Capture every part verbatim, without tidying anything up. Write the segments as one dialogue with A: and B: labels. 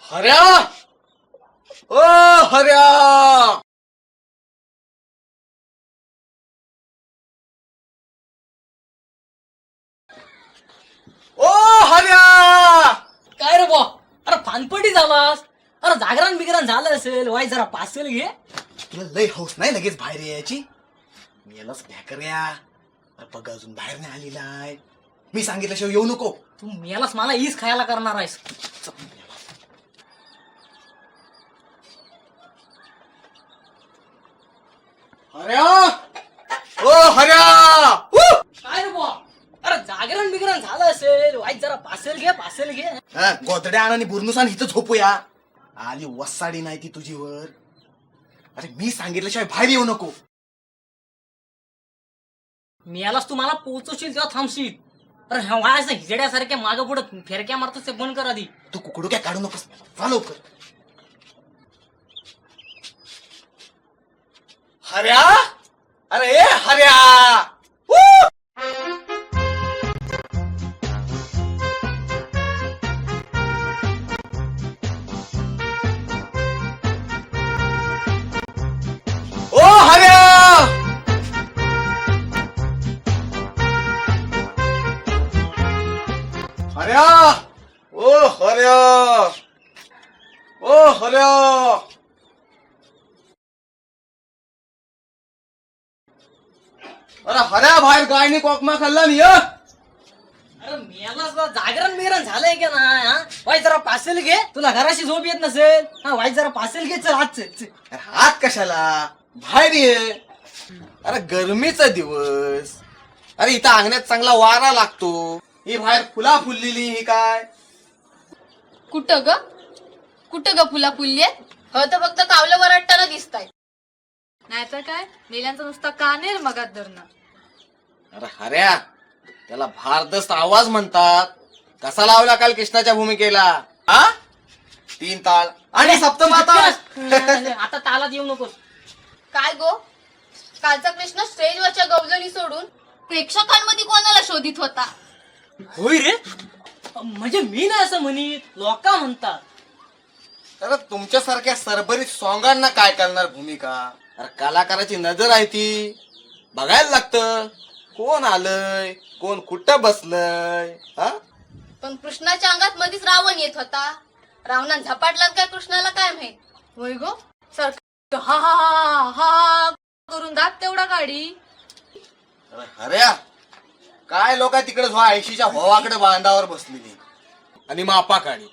A: हऱ्या, ओ हऱ्या, ओ हऱ्या.
B: काय रे बा? अरे फानपटी झालास. अरे जागरण बिगरण झालं असेल, वाय जरा पासेल घे.
A: तुला लय हौस नाही लगेच बाहेर यायची. मेलाच भ्याकर्या. अरे बघ अजून बाहेर नाही आलेला आहे. मी सांगितल्याशिवाय येऊ नको.
B: तू मेलास मला ईस खायला करणार आहेस.
A: हऱ्या, ओ हऱ्या.
B: काय रे बा? अरे जागरण बिगरण झालं असेल, वाय जरा पासेल घे, पासेल घे.
A: हा, गोदड्या आणि बुरनुसान इथं झोपूया. आली वसाडी नाही ती तुझीवर. अरे मी सांगितल्याशिवाय बाहेर येऊ नको.
B: मेलास तू मला पोचवशील तेव्हा थांबशील. अरे ह्या वायाचं हिजड्यासारख्या मागं पुढं फेरक्या मारतोस ते बंद कर आधी.
A: तू कुकडू काय काढू नकोस. जा लवकर. हऱ्या, अरे ए हऱ्या. ओ हऱ्या, हऱ्या, ओ हऱ्या, ओ हऱ्या. अरे हऱ्या बाहेर गायने कोकमा खाल्ला नाही.
B: अरे मेलास ना, जागरण बिगरण झालंय का ना? हा वाय जरा पासेल घे. तुला घराशी झोप येत नसेल. हा वाय जरा पासेल घे. चल आज चल, चल.
A: अरे हात कशाला बाहेर ये. अरे गरमीचा दिवस. अरे इथं अंगणात चांगला वारा लागतो. ही बाहेर फुला फुललेली ही काय.
C: कुठं ग कुठं ग फुला फुलली हो तर फक्त कावलं वरटताना दिसताय. नाहीतर काय मेल्यांचा नुसता कानेर मगात धरणं.
A: अरे हऱ्या, त्याला भारदस्त आवाज म्हणतात. कसा लावला काल कृष्णाच्या भूमिकेला? हा तीन ताळ आणि सप्तमाता.
B: आता तालात येऊ नकोस.
C: काय गो कालचा कृष्ण स्टेजवरच्या गवलनी सोडून प्रेक्षकांमध्ये कोणाला शोधित होता?
B: होय रे, म्हणजे मी नाही असं म्हणित, लोका म्हणतात.
A: अरे तुमच्यासारख्या सरभरीत सॉंगांना काय करणार भूमिका. अरे कलाकाराची नजर आहे ती. बघायला लागतं कोण आलंय, कोण कुठं बसलंय. हा
C: पण कृष्णाच्या अंगात मधीच रावण येत होता. रावणान झपाटला काय कृष्णाला काय माहित. होय गो सर हा हा हा हा करून दात तेवढा गाडी.
A: अरे हऱ्या, काय लोक तिकडे झो ऐंशीच्या भावाकडे बांधावर बसलेली आणि मापा काढी.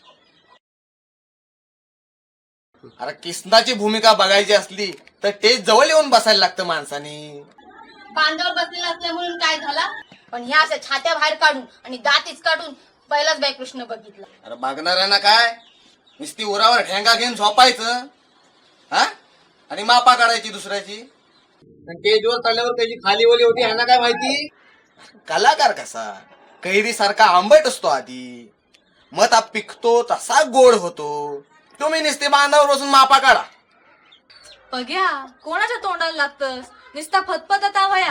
A: अरे कृष्णाची भूमिका बघायची असली तर तेच जवळ येऊन बसायला लागतं माणसानी.
C: बांधावर बसलेला असल्या म्हणून काय झाला, पण ह्या अशा छात्या बाहेर काढून आणि दातीच काढून पहिलाच बाई कृष्ण बघितला.
A: अरे बघणाऱ्यांना काय नुसती उरावर ठेंगा घेऊन झोपायचं हा आणि मापा काढायची दुसऱ्याची. स्टेजवर चढल्यावर त्याची खाली ओली होती ह्यांना काय माहिती. कलाकार कसा कैरी सारखा आंबट असतो आधी, मग ता पिकतो तसा गोड होतो. तुम्ही नुसते बांधावर बसून मापा काढा.
C: बघ्या कोणाच्या तोंडाला लागतस नुसता फतफत वया.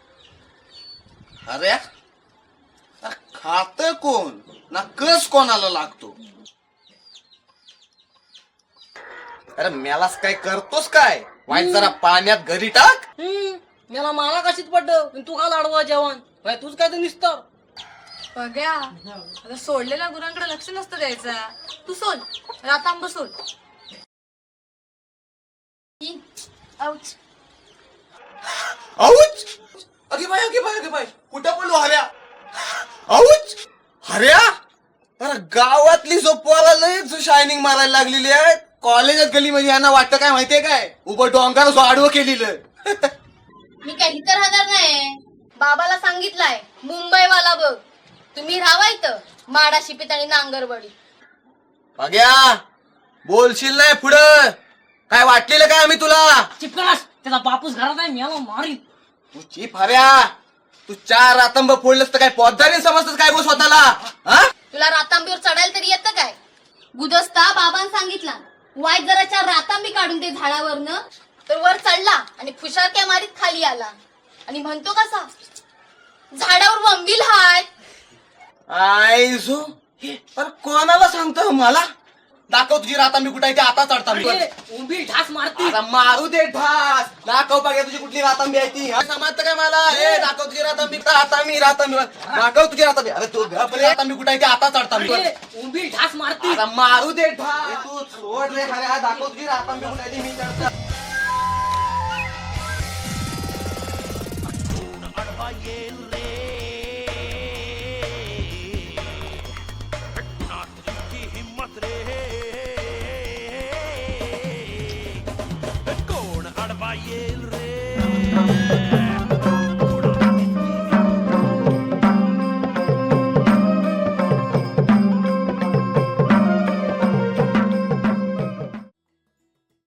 A: अरे खात कोण ना कस कोणाला लागतो. अरे मेलास काय करतोस काय. वाईट जरा पाण्यात घरी टाक.
B: हम्म मला मला कशीच पडलं, तू का लाडवा जेवण. भाई तूच काय तर निसतं.
C: बघ्या आता सोडलेल्या गुरांकडे लक्ष नसतं द्यायचा. तू सोड रातांब सोड. औच.
A: औच. अगे बाय अगे बाय अगे बाय कुठं पडलो हऱ्या. औच हऱ्या. अरे गावातली जो पोरा लयच शायनिंग मारायला लागलेली आहे. कॉलेजात गली म्हणजे यांना वाटतं काय माहितीये काय, उभं डोंगर जो आडवं केलेलं.
C: मी काही तर राहणार नाही. बाबाला सांगितलंय मुंबईवाला बघ. तुम्ही राहावा इथं माडा शिपीत आणि नांगरवडी.
A: बघ्या बोलशील नाही पुढं. काय वाटलेलं काय आम्ही तुला.
B: चिपकास त्याचा बापूस घरात आहे, मला मारी.
A: तू चिप हऱ्या. तू चार रातंब फोडलंस तर काय पौद्धारी समजतस काय गो स्वतःला. हा
C: तुला रातांबीवर चढायला तरी येतं काय. गुदस्ता बाबांनी सांगितला वाईट जरा चार रातांबी काढून ते झाडावरनं, तर वर चढला आणि फुशारक्या मारीत खाली आला आणि म्हणतो कसा झाडावर वंबील हाय.
A: आय जो अरे कोणाला सांगतो मला. दाखव तुझी रातांबी कुठे आहे ती आता चढता मी
B: अरे, उभी ढास मारती
A: आता मारू दे ढास दाखव बघा तुझी कुठली रातांबी आहे ती समजतं काय मला ए दाखव तुझी रातांबी आता मी रातांबी दाखव तुझी रातांबी अरे तू रातांबी कुठे आहे ती आता चढता मी
B: अरे, उभी ढास मारती
A: आता मारू दे ढास तू सोड रे खऱ्या दाखव तुझी रातांबी कुठे आहे ती मी चढता
D: कोण अडवा येईल रे